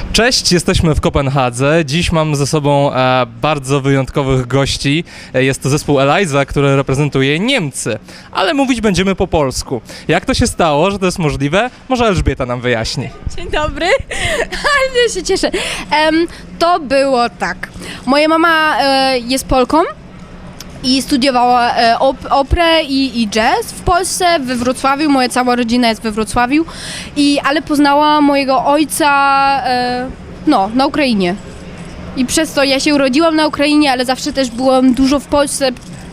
Cześć, jesteśmy w Kopenhadze. Dziś mam ze sobą bardzo wyjątkowych gości. Jest to zespół Eliza, który reprezentuje Niemcy, ale mówić będziemy po polsku. Jak to się stało, że to jest możliwe? Może Elżbieta nam wyjaśni. Dzień dobry, ale się cieszę. To było tak. Moja mama jest Polką i studiowała operę i jazz w Polsce, we Wrocławiu. Moja cała rodzina jest we Wrocławiu, ale poznała mojego ojca na Ukrainie. I przez to ja się urodziłam na Ukrainie, ale zawsze też byłam dużo w Polsce,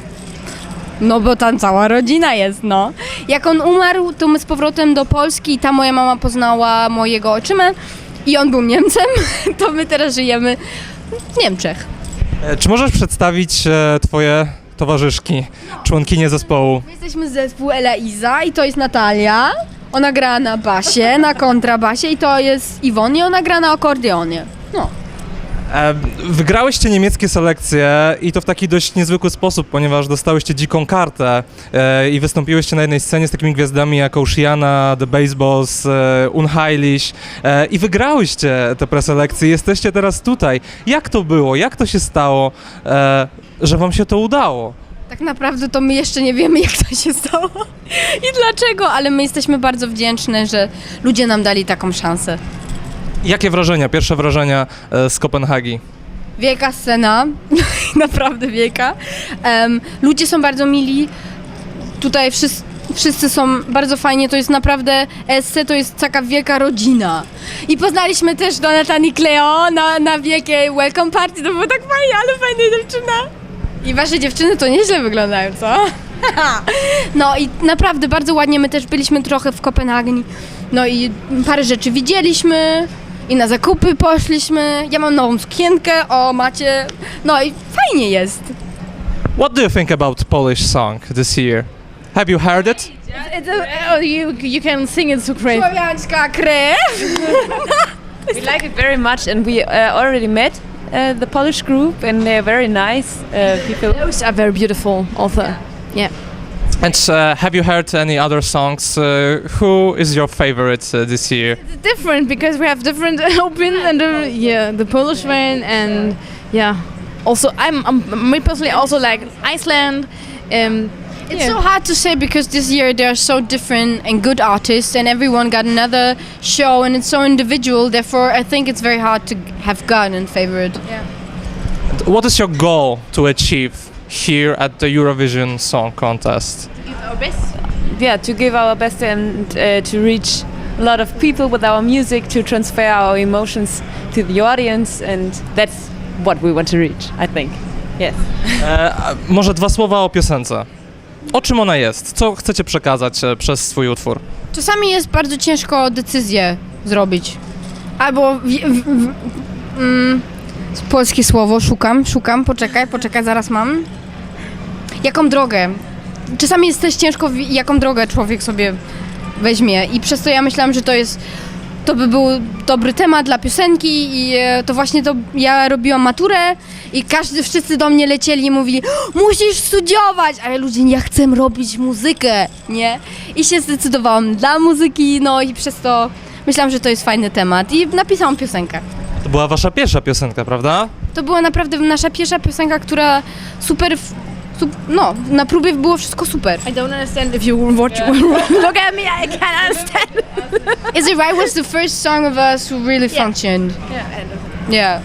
no bo tam cała rodzina jest, no. Jak on umarł, to my z powrotem do Polski i tam moja mama poznała mojego ojczymę i on był Niemcem, to my teraz żyjemy w Niemczech. Czy możesz przedstawić twoje towarzyszki, członkinie zespołu? My jesteśmy z zespół Eliza i to jest Natalia. Ona gra na basie, na kontrabasie i to jest Iwon i ona gra na akordeonie. No. Wygrałyście niemieckie selekcje i to w taki dość niezwykły sposób, ponieważ dostałyście dziką kartę i wystąpiłyście na jednej scenie z takimi gwiazdami jak Oceana, The Baseballs, Unheilig i wygrałyście te preselekcje. Jesteście teraz tutaj. Jak to było? Jak to się stało, że wam się to udało? Tak naprawdę to my jeszcze nie wiemy, jak to się stało i dlaczego, ale my jesteśmy bardzo wdzięczne, że ludzie nam dali taką szansę. Jakie wrażenia, pierwsze wrażenia z Kopenhagi? Wielka scena, naprawdę wielka. Ludzie są bardzo mili, tutaj wszyscy są bardzo fajnie, to jest naprawdę, ESC to jest taka wielka rodzina. I poznaliśmy też Donatan i Cleo na wielkiej welcome party, to było tak fajnie, ale fajna dziewczyna. I wasze dziewczyny to nieźle wyglądają, co? No i naprawdę bardzo ładnie, my też byliśmy trochę w Kopenhagi, no i parę rzeczy widzieliśmy. I na zakupy poszliśmy. Ja mam nową sukienkę, macie. No i fajnie jest. What do you think about Polish song this year? Have you heard it? You can sing it so great. Słowiańska krew. We like it very much, and we already met the Polish group, and they're very nice people. Those are very beautiful also. Yeah. And have you heard any other songs? Who is your favorite this year? It's different because we have different opinions, and the Polish one, and also me personally also like Iceland. It's so hard to say because this year they are so different and good artists, and everyone got another show, and it's so individual. Therefore, I think it's very hard to have gotten favorite. Yeah. What is your goal to achieve here at the Eurovision Song Contest? Our best. Yeah, to give our best and to reach a lot of people with our music, to transfer our emotions to the audience, and that's what we want to reach, I think. Yes. Może dwa słowa o piosence. O czym ona jest? Co chcecie przekazać przez swój utwór? Czasami jest bardzo ciężko decyzję zrobić. Albo polskie słowo, szukam, poczekaj, zaraz mam. Jaką drogę? Czasami jest też ciężko, jaką drogę człowiek sobie weźmie i przez to ja myślałam, że to by był dobry temat dla piosenki i to właśnie to ja robiłam maturę i wszyscy do mnie lecieli i mówili: musisz studiować, ale ludzie, ja chcę robić muzykę, nie? I się zdecydowałam dla muzyki, no i przez to myślałam, że to jest fajny temat i napisałam piosenkę. To była wasza pierwsza piosenka, prawda? To była naprawdę nasza pierwsza piosenka, która no, na próbie było wszystko super. I don't understand if you watch. Look at me, I can't understand. Is It Right was the first song of us who really functioned. Yeah.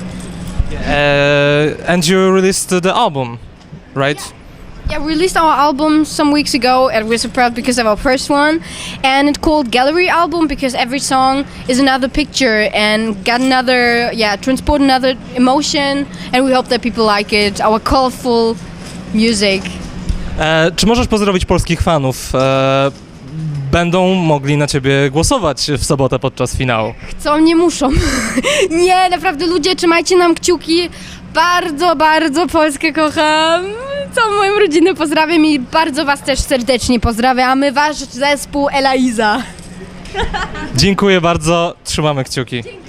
And you released the album, right? Yeah, we released our album some weeks ago and we're so proud because of our first one. And it's called Gallery Album because every song is another picture and got another, transport another emotion, and we hope that people like it, our colorful music. Czy możesz pozdrowić polskich fanów? Będą mogli na ciebie głosować w sobotę podczas finału. Chcą, nie muszą. Nie, naprawdę ludzie, trzymajcie nam kciuki. Bardzo, bardzo Polskę kocham. Całą moją rodzinę pozdrawiam i bardzo was też serdecznie pozdrawiamy. Wasz zespół Eliza. Dziękuję bardzo, trzymamy kciuki.